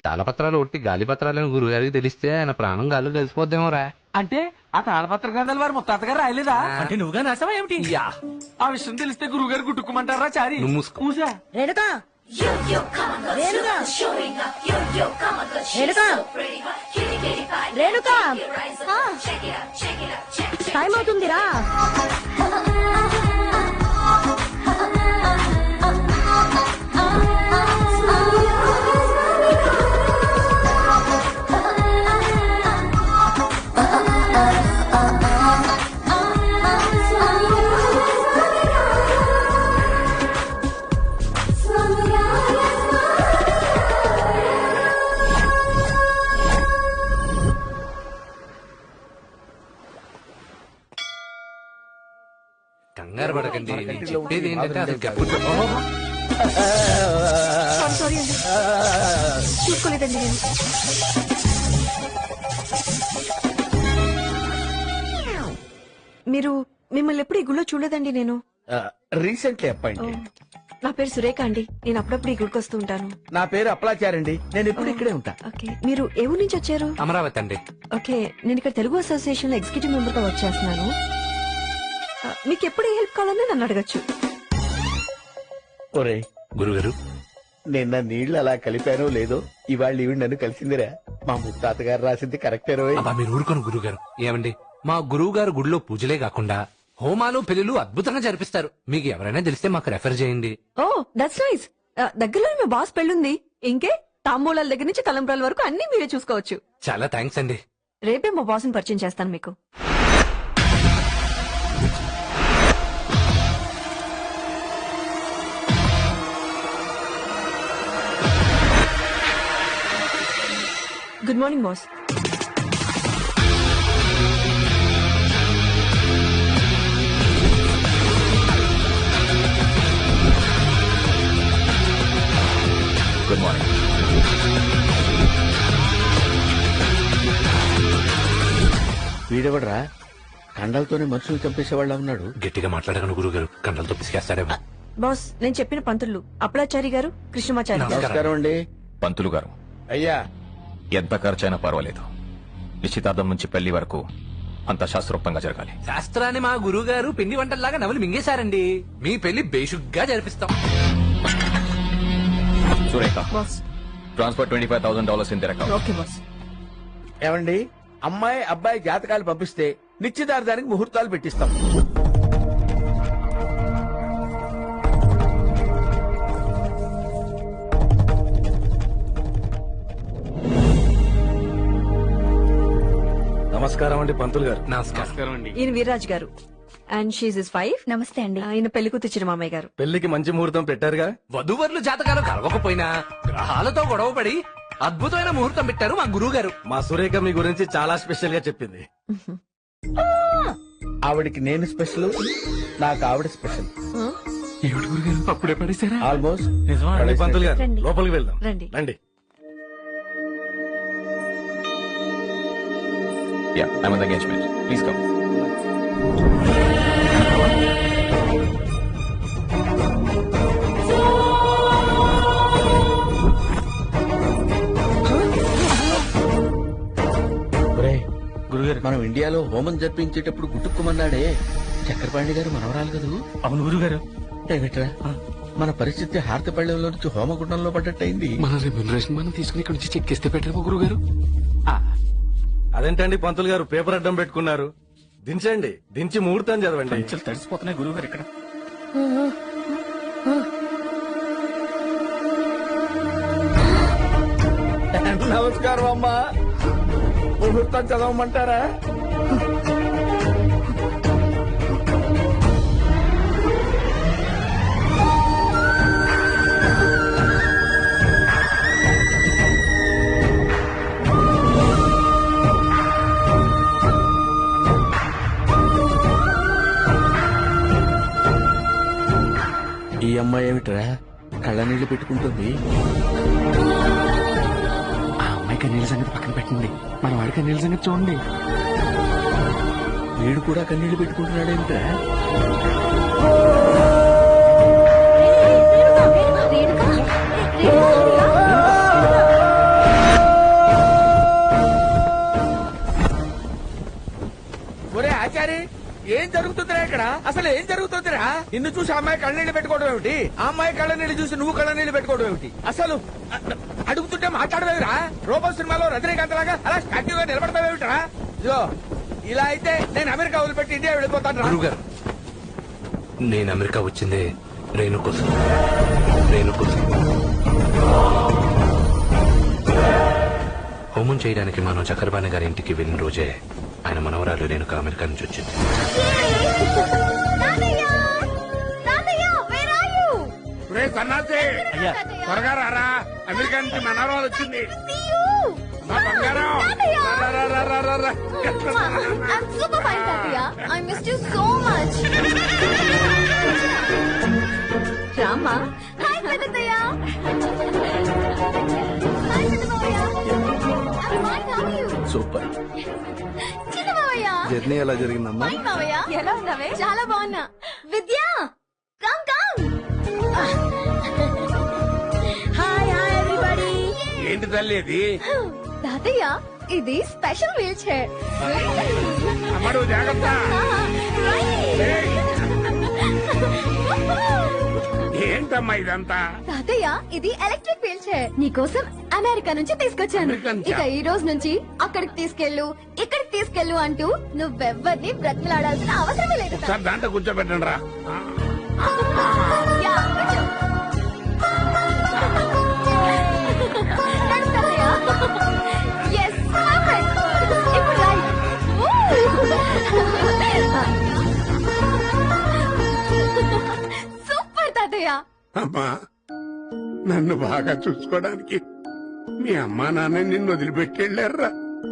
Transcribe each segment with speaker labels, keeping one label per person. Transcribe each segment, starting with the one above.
Speaker 1: తాళపత్రాలు ఒట్టి గాలి పత్రాలని గురుగారికి తెలిస్తే ఆయన ప్రాణం గాలు కలిసిపోద్దేమోరా.
Speaker 2: అంటే ఆ తాళపత్ర గ్రంథాలు వారి ముత్తాతగారు రాయలేదా?
Speaker 3: అంటే నువ్వుగా నాసావా ఏమిటి?
Speaker 2: ఆ విషయం తెలిస్తే గురువు గారు గుట్టుకుమంటారా? చారి మూసా
Speaker 4: రేణుకా రేణుకా రేణుకా రేణుకా టైం అవుతుందిరా.
Speaker 1: కంగారు పడకండి, నేను చెప్పేది ఏంటంటే అసలు
Speaker 4: సారీ అండి, చూసుకోలేదండి నేను. మీరు మిమ్మల్ని ఎప్పుడు ఈ గుళ్ళో చూడలేదండి నేను.
Speaker 5: Recently appointed.
Speaker 4: నా పేరు సురేఖ అండి, నేను అప్పుడప్పుడు ఈ గుడికి వస్తూ ఉంటాను.
Speaker 5: నా పేరు అప్లాచారండి, నేను ఎప్పుడు ఇక్కడే ఉంటా.
Speaker 4: ఓకే, మీరు ఏ ఊరు నుంచి వచ్చారు?
Speaker 1: అమరావతి అండి.
Speaker 4: ఓకే, నేను ఇక్కడ తెలుగు అసోసియేషన్ లో ఎగ్జిక్యూటివ్ మెంబర్ గా వర్క్ చేస్తున్నాను. మీకు ఎప్పుడు ఏ హెల్ప్ కావాలని నన్ను అడగచ్చు.
Speaker 5: ఒరే
Speaker 1: గురుగారు,
Speaker 5: నిన్న నీళ్లు అలా కలిపానో లేదో ఇవాళ ఈవిడ నన్ను కలిసిందిరా. మా ముత్తాతగారు రాసింది కరెక్టేరో.
Speaker 1: అబ్బా మీరు ఊరుకోను గురుగారు. ఏమండి, మా గురువు గారు గుడిలో పూజలే కాకుండా హోమాలు పెళ్లిలు అద్భుతంగా జరిపిస్తారు. మీకు ఎవరైనా తెలిస్తే మాకు రెఫర్ చేయండి.
Speaker 4: Oh that's nice. దగ్గరలో మా బాస్ పెళ్ళుంది. ఇంకే తాంబూలాల దగ్గర నుంచి తలంబ్రాల వరకు అన్ని మీరే చూసుకోవచ్చు.
Speaker 1: చాలా థ్యాంక్స్ అండి.
Speaker 4: రేపే మా బాస్ ని పరిచయం చేస్తాను మీకు. Good morning boss.
Speaker 6: Good morning.
Speaker 5: వీడెవడరా కండలతోనే మనుషులు చంపేసేవాళ్ళ ఉన్నాడు.
Speaker 1: గట్టిగా మాట్లాడగలను గురుగారు, కండలతో పిసికేస్తాడేమో.
Speaker 4: బాస్, నేను చెప్పిన పంతులు అప్పలాచారి గారు, కృష్ణమాచారి గారు.
Speaker 5: నమస్కారం అండి.
Speaker 6: పంతులు గారు,
Speaker 5: అయ్యా
Speaker 6: ఎంత ఖర్చైనా పర్వాలేదు, నిశ్చితార్థం నుంచి పెళ్లి వరకు అంత శాస్త్రోక్తంగా జరగాలి.
Speaker 1: శాస్త్రాన్ని మా గురువు గారు పిండి వంటల్లాగా నవలు మింగేశారండి. మీ పెళ్లి బేషుగ్గా జరిపిస్తాం.
Speaker 6: Surekha,
Speaker 4: boss.
Speaker 6: Transfer $25,000 in their account.
Speaker 4: Okay boss.
Speaker 5: ఏమండి, అమ్మాయి అబ్బాయి జాతకాలు పంపిస్తే నిశ్చితార్థానికి ముహూర్తాలు పెట్టిస్తాం.
Speaker 7: నమస్కారం అండి పంతులు గారు.
Speaker 1: నమస్కారం అండి.
Speaker 4: ఈయన వీర్రాజ్ గారు అండ్ షీజ్ ఇస్ వైఫ్.
Speaker 8: నమస్తే అండి.
Speaker 4: ఆయన పెళ్లి కూతురు మామయ్య గారు.
Speaker 7: పెళ్లికి మంచి ముహూర్తం పెట్టారుగా.
Speaker 1: వధువర్లు జాతకాలు కలవకపోయినా గ్రహాలతో గొడవపడి అద్భుతమైన ముహూర్తం పెట్టారు మా గురువు గారు.
Speaker 7: మా సురేఖ మీ గురించి చాలా స్పెషల్ గా చెప్పింది.
Speaker 5: ఆవిడికి నేను స్పెషల్, నాకు ఆవిడ స్పెషల్.
Speaker 2: అప్పుడే పడేసారా?
Speaker 5: ఆల్మోస్ట్.
Speaker 7: రండి పంతులు గారు,
Speaker 8: రండి.
Speaker 7: లోపలికి వెళ్దాం.
Speaker 4: రండి.
Speaker 7: రండి.
Speaker 6: Yeah, I'm on the engagement. Please come.
Speaker 5: గురుగారు, మనం ఇండియాలో హోమం జరిపించేటప్పుడు గుట్టుకుమన్నాడే చక్రపాణి గారు మనవరాలు కదూ?
Speaker 2: అవును గురుగారు.
Speaker 5: ఏమిట్రా మన పరిస్థితి హారతపళ్ళెంలో నుంచి హోమగుండంలో పడ్డట్టయింది.
Speaker 2: మన రెమ్యూనరేషన్ మనం తీసుకుని ఇక్కడ నుంచి చెక్ ఇస్తే పెట్టరు గురుగారు.
Speaker 7: అదేంటండి పంతులు గారు పేపర్ అడ్డం పెట్టుకున్నారు? దించండి, దించి ముహూర్తం చదవండి.
Speaker 2: తడిసిపోతున్నాయి గురుగారు ఇక్కడ.
Speaker 5: నమస్కారం అమ్మా. ముహూర్తం చదవమంటారా? ఈ అమ్మాయి ఏమిట్రా కళ్ళ నీళ్లు పెట్టుకుంటుంది?
Speaker 2: ఆ అమ్మాయికి నీళ్ళ సంగతి పక్కన పెట్టండి, మన వాడికి నీళ్ళ సంగతి చూడండి.
Speaker 5: వీడు కూడా కన్నీళ్లు పెట్టుకుంటున్నాడేమిట్రా? ఏంట్రా అసలు ఏం జరుగుతుందిరా? నిన్ను చూసి ఆ అమ్మాయి కళ్ళనీళ్ళు పెట్టుకోవడం ఏమిటి? ఆ అమ్మాయి కళ్ళనీళ్ళు చూసి నువ్వు కళ్ళనీళ్ళు పెట్టుకోవడం ఏమిటి? అసలు అడుగుతుంటే మాట్లాడవేమిరా? రోబో సినిమాలో రజనీకాంత్ లాగా అలా స్టాట్యూగా నిలబడతావేమిట్రా? ఇదిగో ఇలా అయితే నేను అమెరికా వదిలిపెట్టి ఇండియా వెళ్ళిపోతాను రా.
Speaker 1: గురువు గారు నేను అమెరికా వచ్చిందే రేణు కోసం. రేణు కోసం హోమం చేయడానికి మనం చక్రపాణి గారి ఇంటికి వెళ్ళిన రోజే ఆయన మనవరాలు రేణుక అమెరికా నుంచి వచ్చింది.
Speaker 3: రే సన్నాసి త్వరగా రారా, అమెరికా నుంచి మనవరాలు వచ్చింది. మా బంగారం రా, రా, రా, రా, రా, రా.
Speaker 8: I'm super fine, Tatya. I missed you so much.
Speaker 4: రామ్మా.
Speaker 8: Hi, Tatya. Hi, Tatya. I'm fine. How are you?
Speaker 7: Super.
Speaker 8: చిన్న మావయ్య.
Speaker 7: జర్నీ ఎలా జరిగిందమ్మా?
Speaker 8: Fine, మావయ్య.
Speaker 4: ఎలా ఉన్నావే?
Speaker 8: చాలా బాగున్నా. విద్య, come. Hi, everybody.
Speaker 3: ఏంటి తల్లి ఇది?
Speaker 8: తాతయ్య, ఇది స్పెషల్ వీల్ చైర్.
Speaker 3: అమ్మడు జాగ్రత్త. ఏయ్, ఏంటమ్మా ఇదంతా?
Speaker 8: తాతయ్య, ఇది ఎలక్ట్రిక్ వీల్ చైర్. నీకోసం అమెరికా నుంచి తీసుకొచ్చాను.
Speaker 3: అమెరికా నుంచా?
Speaker 8: ఇక ఈ రోజు నుంచి అక్కడికి తీసుకెళ్ళు, ఇక్కడికి తీసుకెళ్ళు అంటూ నువ్వెవ్వరిని బ్రతిలాడాల్సిన అవసరమే లేదు.
Speaker 3: ఒకసారి దాంట్లో కూర్చోబెట్టండి రా.
Speaker 8: యా, కూర్చో. నడు తాతయ్య. Yes, perfect. ఇప్పుడు right. సూపర్ తాతయ్య.
Speaker 3: అమ్మా నన్ను బాగా చూసుకోవడానికి మీ అమ్మా నాన్న నిన్ను వదిలిపెట్టి వెళ్ళారా,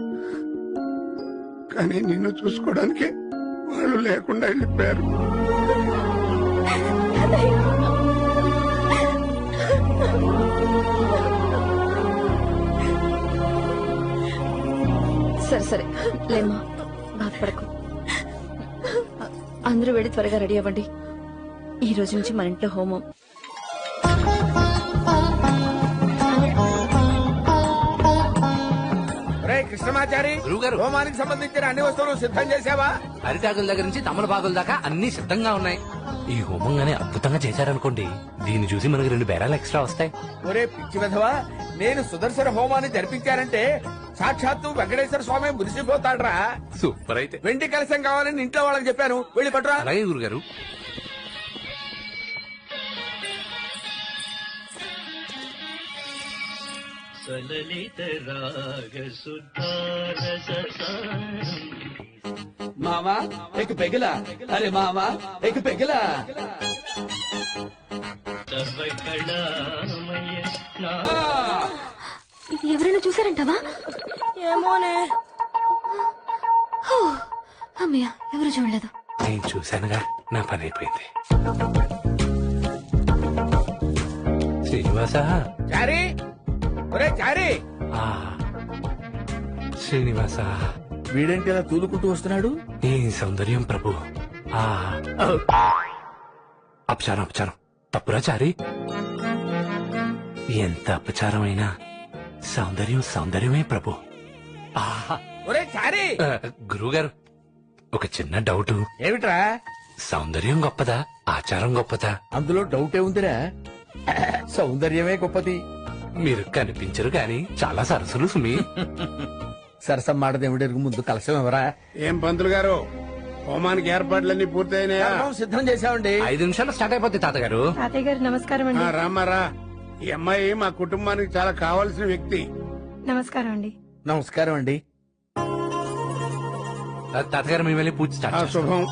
Speaker 3: కానీ నిన్ను చూసుకోవడానికి వాళ్ళు లేకుండా వెళ్ళిపోయారు.
Speaker 4: సరే లేమ్మా, బాధపడకు. అందరూ వెళ్ళి త్వరగా రెడీ అవ్వండి. ఈ రోజు నుంచి మన ఇంట్లో హోమం.
Speaker 5: రే కృష్ణమాచారి,
Speaker 1: గురువుగారు.
Speaker 5: హోమానికి సంబంధించిన అన్ని వస్తువులు సిద్ధం చేసావా?
Speaker 1: అరిటాకుల దగ్గర నుంచి తమలపాకుల దాకా అన్ని సిద్ధంగా ఉన్నాయి. ఈ హోమంగానే అద్భుతంగా చేశారనుకోండి, దీన్ని చూసి మనకి 2 బేరాలు ఎక్స్ట్రా వస్తాయి.
Speaker 5: ఒరే పిచ్చి విధవా, నేను సుదర్శన హోమాన్ని జరిపించానంటే సాక్షాత్తు వెంకటేశ్వర స్వామి మురిసిపోతాడ్రా.
Speaker 1: సూపర్ అయితే.
Speaker 5: వెండి కలశం కావాలని ఇంట్లో వాళ్ళకి చెప్పాను, వెళ్ళి పట్టురా.
Speaker 1: అలాగే గురుగారు.
Speaker 5: మామా ఎక్ పెగిలా, అరే మామా ఎక్ పెగిలా.
Speaker 8: ఇది ఎవరైనా చూసారంటావా?
Speaker 4: ఏమోనే.
Speaker 8: అమ్మయ్య, ఎవరు చూడలేదు.
Speaker 1: నేను చూశానుగా, నా పని అయిపోయింది. శ్రీనివాస.
Speaker 5: చారి, ఒరే చారి.
Speaker 1: ఆ, శ్రీనివాస.
Speaker 5: వీడేంటి ఇలా తూలుకుంటూ వస్తున్నాడు?
Speaker 1: నీ సౌందర్యం ప్రభు. ఆ, అపచారం తప్పురా చారి. ఎంత అపచారమైనా సౌందర్యమే ప్రభు. ఆహా.
Speaker 5: ఒరే చారి.
Speaker 1: గురువుగారు, ఒక చిన్న డౌట్.
Speaker 5: ఏమిట్రా?
Speaker 1: సౌందర్యం గొప్పదా, ఆచారం గొప్పదా?
Speaker 5: అందులో డౌటే ఉందిరా, సౌందర్యమే గొప్పది.
Speaker 1: మీరు కనిపించరు గాని చాలా సరసులు సుమి.
Speaker 5: సరసం మాడదేవుడెరుగు, ముందు కలశం ఎవరా?
Speaker 3: ఏం పంతులు గారు, హోమానికి ఏర్పాట్లన్నీ పూర్తయినాయా?
Speaker 5: కర్మం సిద్ధం చేశామండి.
Speaker 1: 5 నిమిషాలు స్టార్ట్ అయిపోద్ది తాతగారు.
Speaker 4: తాతయ్య గారు నమస్కారం
Speaker 3: ఆ,
Speaker 4: అండి.
Speaker 3: రామారా, ఈ అమ్మాయి మా కుటుంబానికి చాలా కావాల్సిన వ్యక్తి.
Speaker 4: నమస్కారం అండి.
Speaker 5: నమస్కారం అండి.
Speaker 1: తాతగారు మేము వెళ్ళి పూజ
Speaker 3: ఆ,
Speaker 1: స్టార్ట్ చేస్తాం.
Speaker 3: శుభం.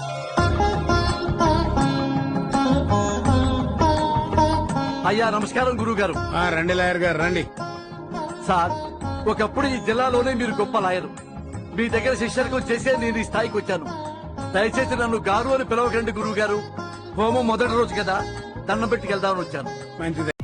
Speaker 9: అయ్యా నమస్కారం గురువు గారు.
Speaker 3: ఆ, రండి లాయర్ గారు రండి.
Speaker 9: సార్, ఒకప్పుడు ఈ జిల్లాలోనే మీరు గొప్ప లాయరు. మీ దగ్గర శిష్యర్కం చేసే నేను ఈ స్థాయికి వచ్చాను. దయచేసి నన్ను గారు అని పిలవకండి గురువు గారు. హోమం మొదటి రోజు కదా, దండం పెట్టుకెళ్దామని వచ్చాను.
Speaker 3: మంచిది.